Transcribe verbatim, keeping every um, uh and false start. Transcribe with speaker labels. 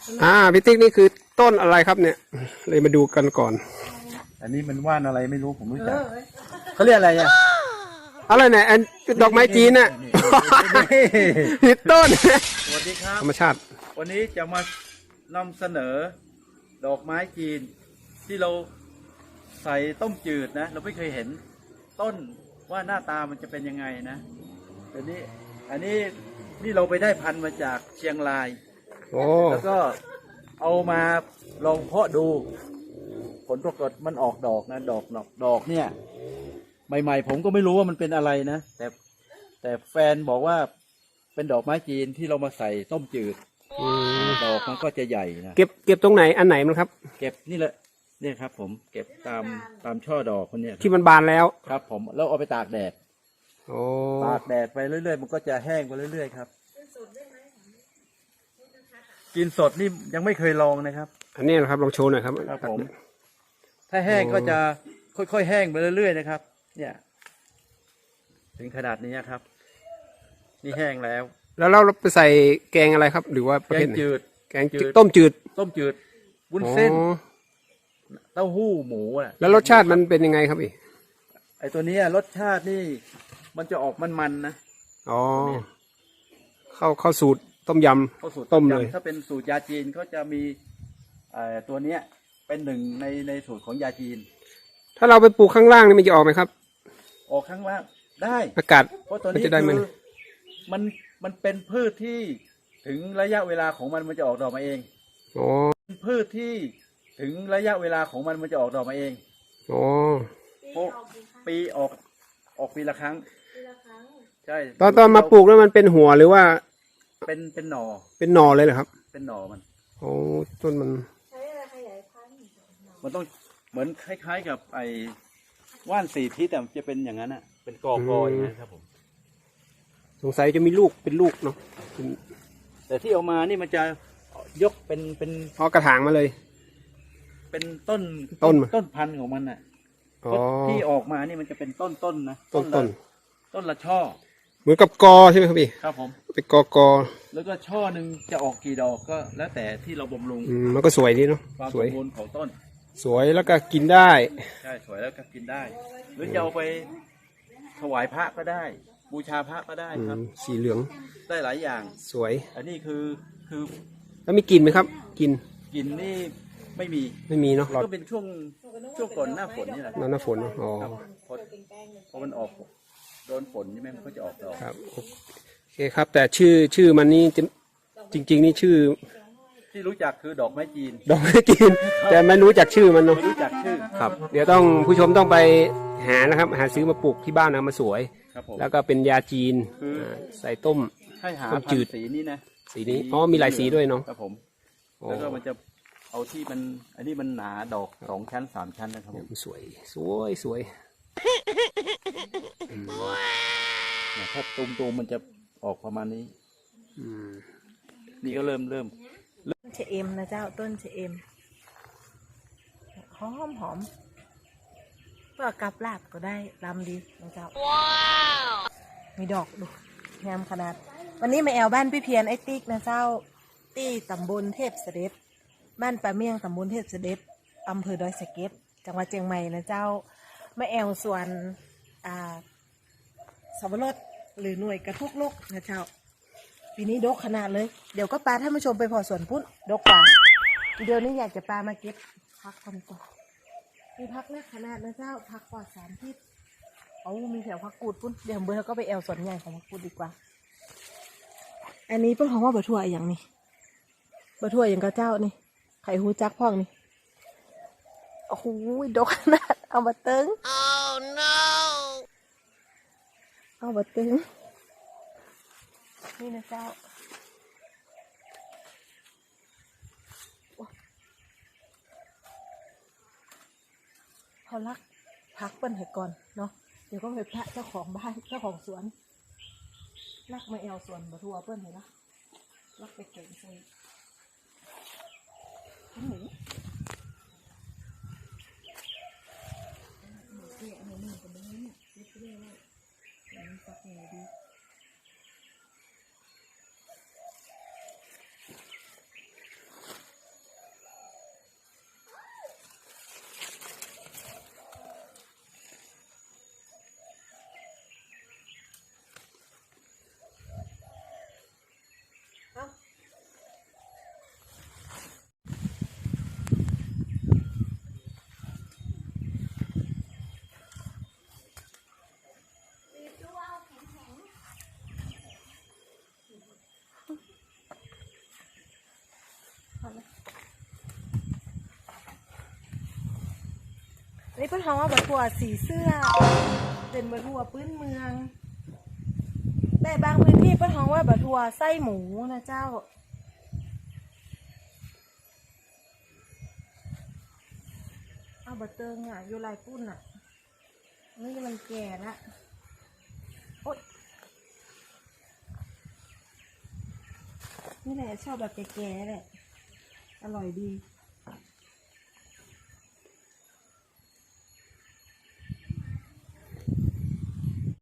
Speaker 1: อ่าพี่ติ๊กนี่คือต้นอะไรครับเนี่ยเลยมาดูกันก่อน
Speaker 2: อันนี้มันว่านอะไรไม่รู้ผมรู้จักเขาเรียกอะไรอ่ะ
Speaker 1: อะไรเนี่ยอันดอกไม้จีนน่ะผิดต้น
Speaker 2: สวัสดีครับ
Speaker 1: ธรรมชาติ
Speaker 2: วันนี้จะมานำเสนอดอกไม้จีนที่เราใส่ต้มจืดนะเราไม่เคยเห็นต้นว่าหน้าตามันจะเป็นยังไงนะอันนี้อันนี้นี่เราไปได้พันธุ์มาจากเชียงรายแล้วก็เอามาลองเพาะดูผลปรากฏมันออกดอกนะดอกดอกดอกเนี่ยใหม่ๆผมก็ไม่รู้ว่ามันเป็นอะไรนะแต่แต่แฟนบอกว่าเป็นดอกไม้จีนที่เรามาใส่ต้มจืดดอกมันก็จะใหญ่นะ
Speaker 1: เก็บเก็บตรงไหนอันไหนมันครับ
Speaker 2: เก็บนี่แหละเนี่ยครับผมเก็บตามตามช่อดอกคนเนี้ย
Speaker 1: ที่มันบานแล้ว
Speaker 2: ครับผมแล้วเอาไปตากแดด
Speaker 1: โอ้
Speaker 2: ตากแดดไปเรื่อยๆมันก็จะแห้งไปเรื่อยๆครับกินสดนี่ยังไม่เคยลองนะครับ
Speaker 1: อันนี้นะครับลองโชว์หน่อยครับ
Speaker 2: ครับผมถ้าแห้งก็จะค่อยๆแห้งไปเรื่อยๆนะครับเนี่ยถึงขนาดนี้ครับนี่แห้งแล้ว
Speaker 1: แล้วเราไปใส่แกงอะไรครับหรือว่า
Speaker 2: แกงจืด
Speaker 1: แกงต้มจืด
Speaker 2: ต้มจืดวุ้นเส้นเต้าหู้หมูอ่ะ
Speaker 1: แล้วรสชาติมันเป็นยังไงครับอี
Speaker 2: ไอตัวนี้รสชาตินี่มันจะออกมันๆนะ
Speaker 1: อ๋อเข้าเข้าสูตรต้มยำ
Speaker 2: เข้าสูตร
Speaker 1: ต้มเลย
Speaker 2: ถ้าเป็นสูตรยาจีนก็จะมีไอตัวเนี้ยเป็นหนึ่งในในสูตรของยาจีน
Speaker 1: ถ้าเราไปปลูกข้างล่างนี่มันจะออกไหมครับ
Speaker 2: ออกข้างล่างได้
Speaker 1: อากาศ
Speaker 2: เพราะตัวนี้คือมันมันเป็นพืชที่ถึงระยะเวลาของมันมันจะออกดอกมาเอง
Speaker 1: อ๋อ
Speaker 2: เป็นพืชที่ถึงระยะเวลาของมันมันจะออกดอกมาเอง
Speaker 1: อ๋อ
Speaker 2: เพราะปีออกออกปีละครั้งใช่
Speaker 1: ตอนตอนมาปลูกแล้วมันเป็นหัวหรือว่า
Speaker 2: เป็นเป็นหน่อ
Speaker 1: เป็นหน่อเลยเหรอครับ
Speaker 2: เป็นหน่อมัน
Speaker 1: โอ้ต้นมัน
Speaker 3: ใช้อะไรขยายพันธุ์
Speaker 2: มันต้องเหมือนคล้ายๆกับไอ้ว่านสี่ทิศแต่จะเป็นอย่างนั้นอ่ะเป็นกอกอยนะครับผม
Speaker 1: สงสัยจะมีลูกเป็นลูกเนาะ
Speaker 2: แต่ที่เอามานี่มันจะยกเป็นเป็น
Speaker 1: พอกระถางมาเลย
Speaker 2: เป็นต้น
Speaker 1: ต้น
Speaker 2: ต้นพันธุ์ของมันอ่ะที่ออกมานี่มันจะเป็นต้นต้นนะ
Speaker 1: ต้นต้น
Speaker 2: ต้นละช่อ
Speaker 1: เหมือนกับกอใช่ไหมครับพี่
Speaker 2: ครับผม
Speaker 1: เป็นกอกอ
Speaker 2: แล้วก็ช่อหนึ่งจะออกกี่ดอกก็แล้วแต่ที่เราบำรุง
Speaker 1: มันก็สวยดีเนาะ
Speaker 2: ความสมบูรณ์ของต้น
Speaker 1: สวยแล้วก็กินได้
Speaker 2: ใช่สวยแล้วก็กินได้หรือจะเอาไปถวายพระก็ได้บูชาพระก็ได้ครับ
Speaker 1: สีเหลือง
Speaker 2: ได้หลายอย่าง
Speaker 1: สวย
Speaker 2: อันนี้คือคือ
Speaker 1: แล้วมีกลิ่นไหมครับกลิ่น
Speaker 2: กลิ่นนี่ไม่มี
Speaker 1: ไม่มีเนาะ
Speaker 2: ก็เป็นช่วงช่วงก่อนหน้าฝนนี่แหละ
Speaker 1: หน้าฝนอ๋อ
Speaker 2: พอมันออกโดนฝนใช่ไหมมันก็จะออกดอก
Speaker 1: ครับโอเคครับแต่ชื่อชื่อมันนี่จริงๆนี่ชื่อ
Speaker 2: ที่รู้จักคือดอกไม้จีน
Speaker 1: ดอกไม้จีนแต่ไม่รู้จักชื่อมันเนาะ
Speaker 2: รู้จักชื่อ
Speaker 1: ครับเดี๋ยวต้องผู้ชมต้องไปหานะครับหาซื้อมาปลูกที่บ้านนะมาสวยแล้วก็เป็นยาจีนใส่ต้ม
Speaker 2: ให้หาพันธุ์สีนี้นะ
Speaker 1: สีนี้อ๋อมีหลายสีด้วยเนาะ
Speaker 2: ครับผมแล้วก็มันจะเอาที่มันอันนี้มันหนาดอกสองชั้นสามชั้นนะครับผม
Speaker 1: สวยสวยสวย
Speaker 2: ถ้าตูมตูมมันจะออกประมาณนี้นี่ก็เริ่มเริ่ม
Speaker 3: ต้นเชเอมนะเจ้าต้นเชเอมหอมหอมเพื่อกับลาบก็ได้ลำดีนะเจ้าว้าวมีดอกดูงามขนาดวันนี้มาแอวบ้านพี่เพียรไอติ๊กนะเจ้าตี้ตำบลเทพเสด็จบ้านป่าเมี่ยงตำบลเทพเสด็จอำเภอดอยสะเก็ดจังหวัดเชียงใหม่นะเจ้ามาแอวส่วนอ่าสับปะรดหรือหน่วยกระทุกลูกนะเจ้าปีนี้ดกขนาดเลยเดี๋ยวก็ปลาท่านผู้ชมไปพอสวนพุ่นดกกว่าเดี๋ยวนี้อยากจะปลามาเก็บพักคนก่อนมีพักเล็กขนาดนะเจ้าพักกว่าสามทิศเอามีแถวพักกูดพุ่นเดี๋ยวเบอร์ก็ไปแอวสวนใหญ่ของพักกูดดีกว่าอันนี้เป็นของว่าบะทั่วอย่างนี้บะทั่วอย่างกระเจ้านี่ไข่หูจักพ่องนี่โอ้โหดกขนาดเอามาเติ้ง oh no เอามาเติ้งนี่นะเจ้าเขารักพักเปิ้นให้ก่อนเนาะเดี๋ยวก็ไปพระเจ้าของบ้านเจ้าของสวนรักมาแอวสวนบะทั่วเปิ้นเลยนะรักไปเก่งใส่หมูหมูเกลี่ยหมูหนึ่งกับหมูเนี่ยเรียบเรียบเลยมันสักไงดีอนะนี่เพิ่นท้องว่าบัถั่วสีเสื้อเป็นบัถั่วพื้นเมืองแต่บางพื้นที่เพิ่นท้องว่าบัถั่วไส้หมูนะเจ้าเอาบัเติงอ่ะอยู่ลายปุ้นอ่ะนี่มันแก่ละโอ๊ยนี่แหละชอบแบบแก่ๆแหละอร่อยดี